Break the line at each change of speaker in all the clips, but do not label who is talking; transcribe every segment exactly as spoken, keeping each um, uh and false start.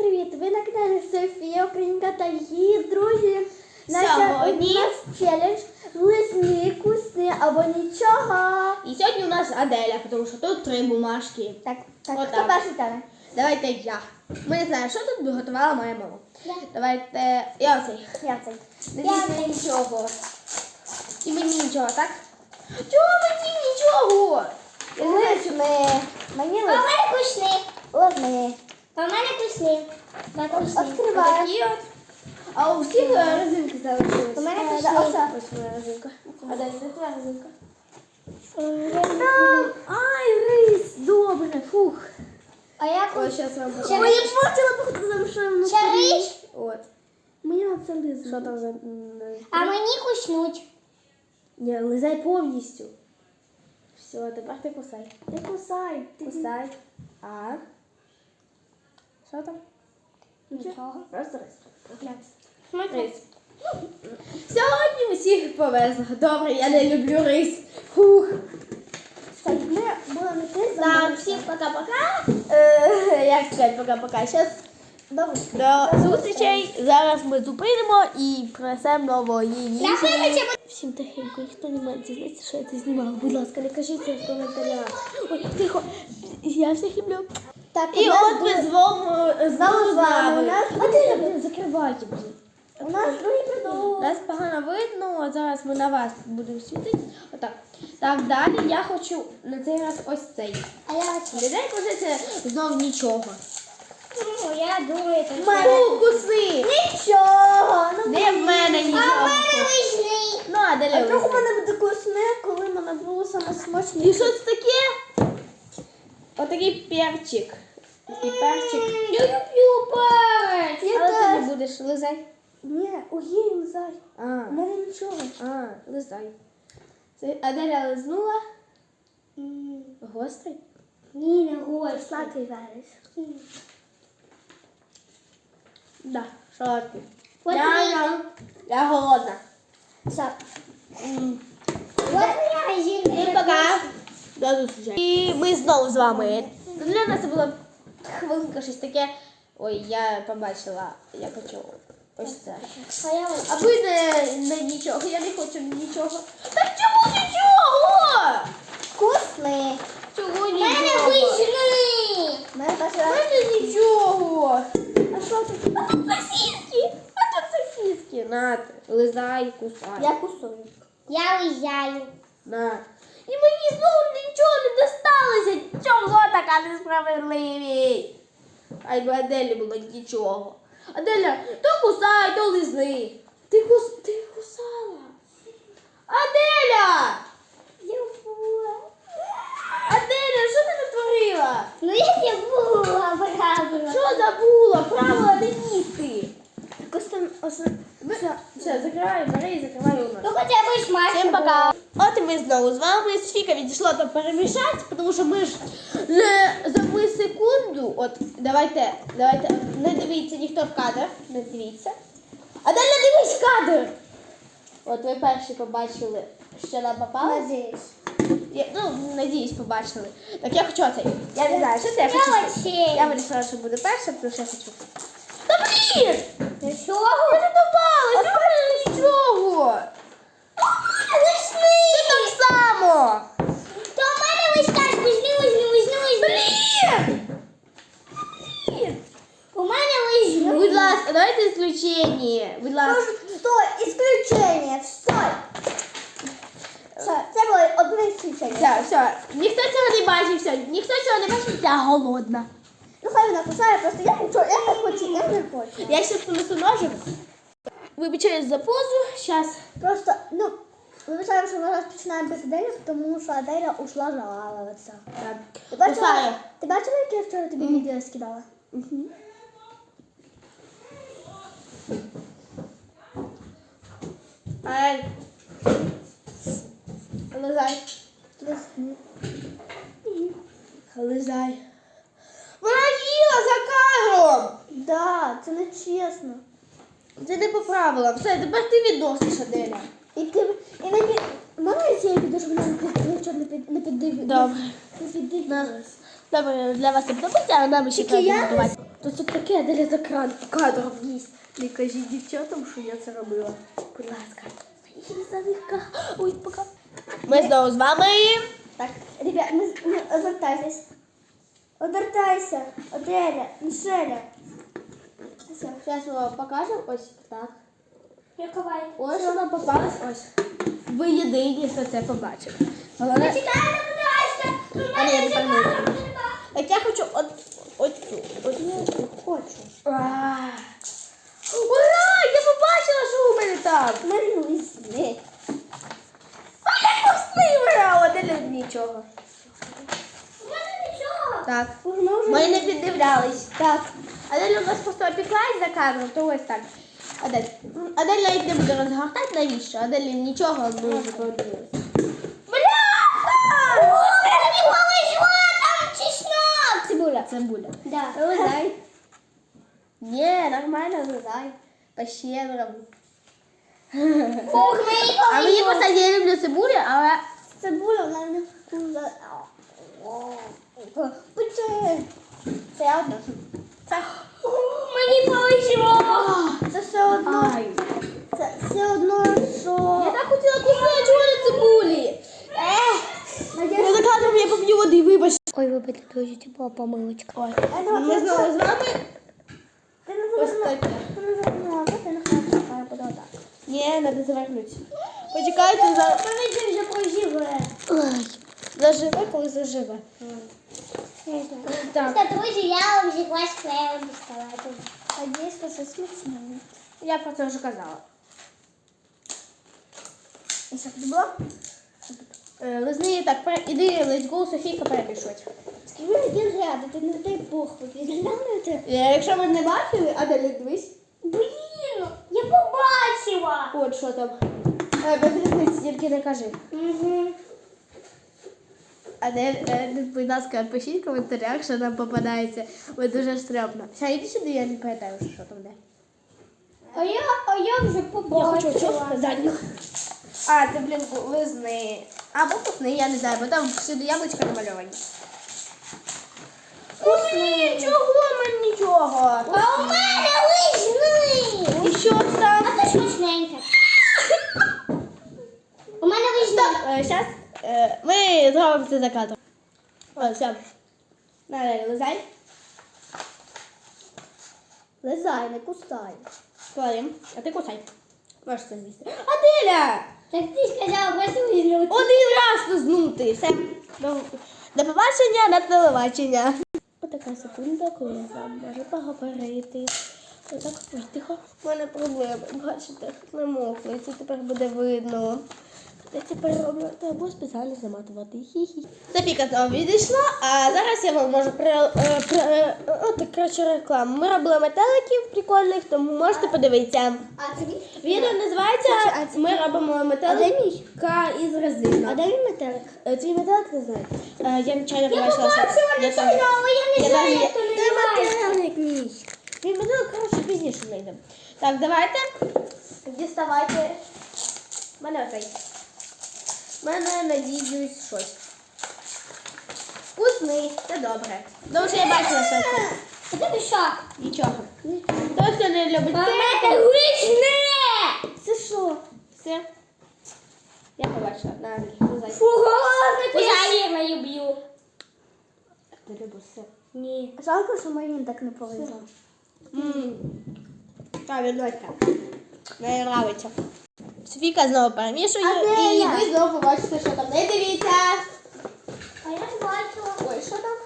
привіт! Ви на каналі Софія Українка та її друзі.
Сьогодні
у нас челендж лисни, кусни або нічого.
І сьогодні у нас Аделя, тому що тут три бумажки.
Так, так,
Отак.
хто перший тане?
Давайте я. Ми не знаємо, що тут готувала моя мама.
Я.
Давайте я оцей.
Я цей.
Не
Я
візьми
цей.
нічого. І мені нічого, так? Чого мені нічого?
Лисни. Мені
А в
лисни.
мене кусни.
Лисни.
А в мене кусни. На кусни.
Відкривай.
Отакі от. А у всіх е, резинки залишились.
У мене
Е,
кусни.
да, оце.
Ось моя резинка. Аделя, де твоя резинка?
Ай, рис, добре, фух.
А я
Ось
кус...
зараз вам
Ще
покажу.
Мені портила походу замшевну.
Чариш?
От.
Мені на це лизно.
Що там за... м,
А мені куснуть.
Ні, лизай повністю. Все, тепер ти кусай.
Не кусай. Ти
Кусай. А. Що там?
Нічого.
Просто рис.
Смотри.
Рис. Сьогодні усіх повезло. Добре, я не люблю рис. Фух.
Так, ми були не ти,
Так, всім пока-пока. Е, як сказати пока-пока. Зараз
Добре.
до зустрічей. Зараз ми зупинимо і принесемо нової їжі.
Напевно,
Всім тихенько, ніхто не має дізнатися, що я це знімала. Будь ласка, не кажіть це в коментарях. Ой, тихо. Я всіх люблю.
Так,
І
у нас
от ми
буде-
з вами
Знову з вами. У нас
А де блін, закривайте, блін.
У нас другий продукт.
Нас погано видно, а зараз ми на вас будемо світити. Отак. Так, далі я хочу на цей раз ось цей.
А я оце.
Людей вже це знов нічого.
Ну, я думаю, це
Фу, куси!
Нічого. Ну,
Де в мене
А в
нічого?
мене вишні.
Ну, а де
а
Лео?
трохи в мене буде кусне, коли в мене було саме смачне.
І що це таке? Отакий перчик. Такий перчик.
Я люблю перець.
Я
Але ти
теж.
не будеш лизай.
Ні, огій, лизай.
А,
У мене нічого.
а, лизай. Це Аделя лизнула.
М,
Гострий?
Ні, не гості.
Сладкий верес.
Да, солодкий.
От
Я,
мені-
я, я голодна.
Все.
М.
От моя жінка.
Всім пока. До зустрічі. І ми знову з вами. Для нас це була хвилинка щось таке. Ой, я побачила, я хочу ось це.
А я ось.
А ви не, не нічого, я не хочу нічого. Так чому нічого?
Вкусний.
Чого
В мене
нічого?
вишні.
У мене теж
У мене нічого.
А що тут?
А тут сосиски. А тут сосиски. На, лизай, кусай.
Я кусую.
Я уїжджаю.
На. І мені знову нічого не досталося. Чого така несправедливість? А й би Аделі було нічого. Аделя, то кусай, то лизни. Ти кус... ти кусала. Аделя!
Я була.
Аделя, що ти натворила?
Ну я не була, правда.
Що забула? Правила не їсти.
Костюм ос-
Все, все, закривай, бери і закривай у
Ну
нас.
хоча б смачно.
Всім пока. От і ми знову з вами. Софійка відійшла там перемішати, тому що ми ж не за ми секунду. От, давайте, давайте, не дивіться ніхто в кадр, не дивіться. Аделя, дивись в кадр! От ви перші побачили, що нам попало.
Надіюсь.
Я, ну, надіюсь, побачили. Так я хочу оцей. Я не знаю, що це я хочу.
Я
цей.
оцей.
Я вирішила, що буде перша, тому що я хочу. Та блін!
Нічого.
Я не попала, що в мене нічого!
Вишні.
Ти так само!
То в мене ось так, візьми, візьми, візьми, візьми.
Блін! Блін!
У мене візьми.
Будь ласка, давайте исключення. Будь ласка.
Стой, исключение, стой. Все, це було одне исключення.
Все, все. Ніхто цього не бачив, все. Ніхто цього не бачив, я голодна.
Ну хай вона кусає, просто я нічого, я не хочу, я не хочу.
Я ще принесу ножик. Вибачаюсь за позу. Щас.
Просто, ну, вибачаємо, що ми розпочинаємо без Аделі, тому що Аделя ушла жалуватися.
Так.
Ти бачила,
Кусаю.
ти бачила, яке я вчора тобі відео скидала?
Мгм. Ай. Лизай.
Лисни.
Лизай. Вона їла за кадром.
Да, це не чесно.
Це не по правилам. Все, тепер ти відносиш, Аделя.
І ти, і не під... Можна я цією піду, щоб вона не під, нічого не під, не піддив...
Добре.
Не піддивилась.
Добре, для вас це подобається, а нам ще
Тільки я
треба
не...
готувати. То це таке, Аделя за кран кадром їсть. Не кажіть дівчатам, що я це робила. Будь ласка. Єлизавета. Ой, пока. Ми знову з вами.
Так, ребят, не, не одвертайтесь. Одвертайся. Оделя, Мішеля. Все.
Зараз ми вам покажемо. Ось так.
Я ховаю.
Ось вона попалась. Ось. Ви єдині, хто це побачив. Головне...
Чекай, не подайся.
А, ні, я не пам'ятаю. Так я хочу от, оцю. Оцю хочу. А. Ура! Я побачила, що у мене там.
Мерлюзні.
А я вкусний виграла, де не нічого.
У мене нічого.
Так.
Ми вже...
Ми не піддивлялись.
Так.
Адель у нас просто опіклась за кадром, то ось так. Адель. Адель навіть не буде розгортати, навіщо? Адель нічого ми вже подивилися. Бляха!
Мені повезло, там чеснок.
Цибуля.
Цибуля.
Да.
Вилазай.
Ні, нормально вилазай. По-щедрому.
Фух, мені
А мені
повезло.
просто я люблю цибулю, але
Цибуля, вона не вкусна. Почекай. Це я одна.
це...
Мені повезло.
Це все одно.
Ай.
Це все одно, що...
Я так хотіла кусати, чого не цибулі. Я за кадром я поп'ю води, вибач.
Ой, вибачте, дуже тепло помилочка.
Ой.
Ми
Ми знову з вами.
Ти не
Ось
завернула.
таке.
Ти не завернула, ти не хочеш, а я буду отак.
Ні, треба завернути. Почекайте, за...
Помідор вже проживе.
Ой. Заживе, коли заживе. Так.
Просто, друзі, я вам взяла склеєм діставати.
А дійсно, що смачно.
Я про це вже казала.
І що тут було?
Е, Лизни так, пере- іди, let's go, Софійка перемішувати.
Скажи мені ряду, ти не дай Бог, виглянути.
Е, Якщо ви не бачили, Аделя, дивись.
Блін, я побачила.
От що там. Е, Без різниці, тільки не кажи.
Угу.
Адель, е, будь ласка, пишіть в коментарях, що нам попадається. Ой, дуже стрьомно. Все, іди сюди, я не пам'ятаю, що там де.
А я, а я вже побачила.
задню. А, це, блін, лизни. Або вкусни, я не знаю, бо там всюди яблучка намальовані. Ой, чого мені нічого?
А у мене лижний.
І що там?
А то смачненьке. У мене лижний.
Зараз ми зробимо це за кадром. О, все. Надо, лизай.
Лизай, не кусай.
Кладем. А ти кусай. Можеш це з'їсти. Аделя!
Так ти сказала, просто лижний.
Один раз лизнути. Все. До, до побачення на телебачення. Отака секунда, коли я з вами можу поговорити. Отак, ой, тихо. У мене проблеми. Бачите, намокли. Це тепер буде видно. Я тепер роблю, треба спеціально заматувати. Хі-хі. Софіка знову відійшла, а зараз я вам можу при, е, при, е, о, так, коротше, рекламу. Ми робили метеликів прикольних, тому можете подивитися.
А це мій?
Відео називається
А це-
«Ми робимо
А де
метелика із резини».
А де мій метелик?
Е, Твій метелик не знаю. Е, Я нечайно
Я
побачила, що...
побачила
Я
не
теж-
але я не
я
знаю,
теж-
як то
Де
називається.
метелик мій? Мій метелик, коротше, пізніше знайдемо. Так, давайте. Діставайте. У мене оцей. У мене, надіюсь, щось. Вкусний, це добре. Тому що я бачила, що це.
А тебе що?
Нічого. Хто хто не любить
А
це?
в мене лижне.
Це що? Все. Я побачила. На, лизай.
Фугу, я не люблю.
Ти любиш все.
Ні.
Жалко, що мені так не повезло.
Ммм. Правильно. Мені нравиться. Софійка знову перемішує.
А де
І
я?
ви знову побачите, що там. Не дивіться.
А я не бачила.
Ой, що там?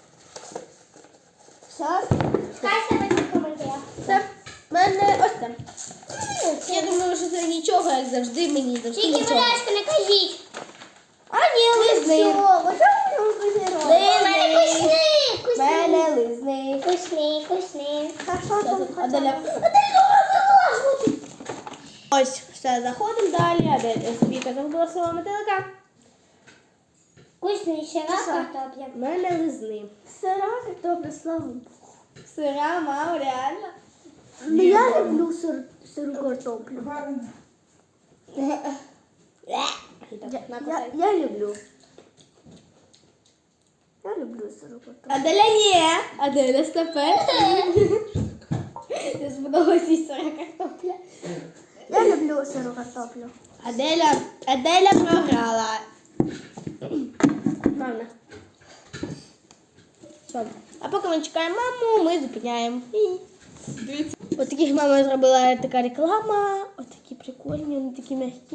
Зараз.
Хай себе в коментарях.
Це в мене ось там. Я думаю, що це нічого, як завжди, мені завжди
Тільки,
нічого.
будь ласка, не кажіть.
А ні, лизни.
Ось це мені позірувало.
У мене вкусний,
В мене лизни.
вкусний, вкусний.
А що там?
Аделя. Ось, все, заходимо далі. Аделя, Софійка загубила свого метелика.
Вкусний ще раз
Що?
картопля.
В мене лизни.
Сира картопля, слава Богу.
Сира, мама, реально.
Ну я люблю сир, сиру картоплю.
Я,
Я, я, я люблю. Я люблю сиру картоплю.
Аделя ні. Аделя стопе. Не сподобалась їй сира картопля.
Я люблю сиру картоплю.
Аделя, Аделя програла. Правда. Все. А поки ми чекаємо маму, ми зупиняємо. Ось таких мама зробила така реклама. Ось такі прикольні, вони такі м'які.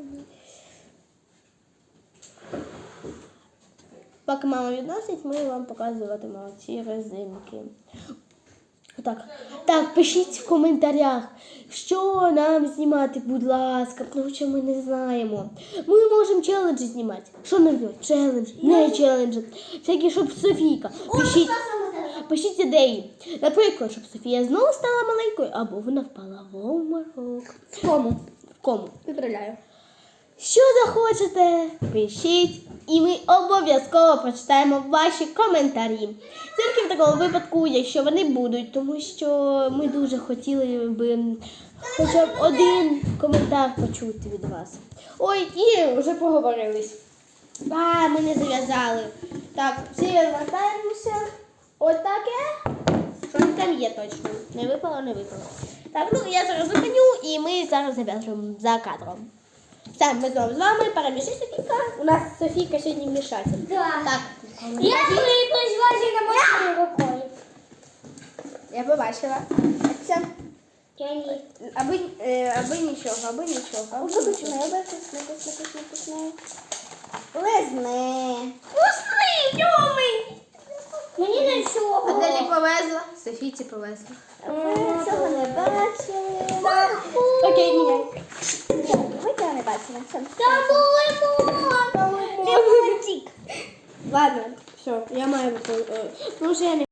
Поки мама відносить, ми вам показуватимемо ці резинки. Отак. Так, пишіть в коментарях, що нам знімати, будь ласка, тому що ми не знаємо. Ми можемо челенджі знімати. Що нам робити? Челендж, не челендж. Всякі, щоб Софійка. Пишіть, пишіть ідеї. Наприклад, щоб Софія знову стала маленькою, або вона впала в обморок. В кому? В кому?
Виправляю.
Що захочете, пишіть, і ми обов'язково прочитаємо ваші коментарі. Тільки в такому випадку, якщо вони будуть, тому що ми дуже хотіли би хоча б один коментар почути від вас. Ой, і вже поговорились. А, ми не зав'язали. Так, всі розвертаємося. Отаке. Що там є точно? Не випало, не випало. Так, ну я зараз зупиню, і ми зараз зав'яжемо за кадром. Все, ми знову з вами. Перемішай, Софійка. У нас Софійка сьогодні вмішається.
Да.
Так.
Я прийшла на моєю рукою.
Я побачила. Все.
Я ні.
Аби, е, аби нічого, аби нічого. Аби нічого.
Вкусне, вкусне, вкусне, вкусне, вкусне. Лизни.
Вкусний, любий. Мені не всього.
Аделі повезла, Софійці повезла.
Ми цього не бачили.
Окей, міняй.
Ви цього не бачили. Все.
Там був лимон.
Ладно, все, я маю. Тому що я не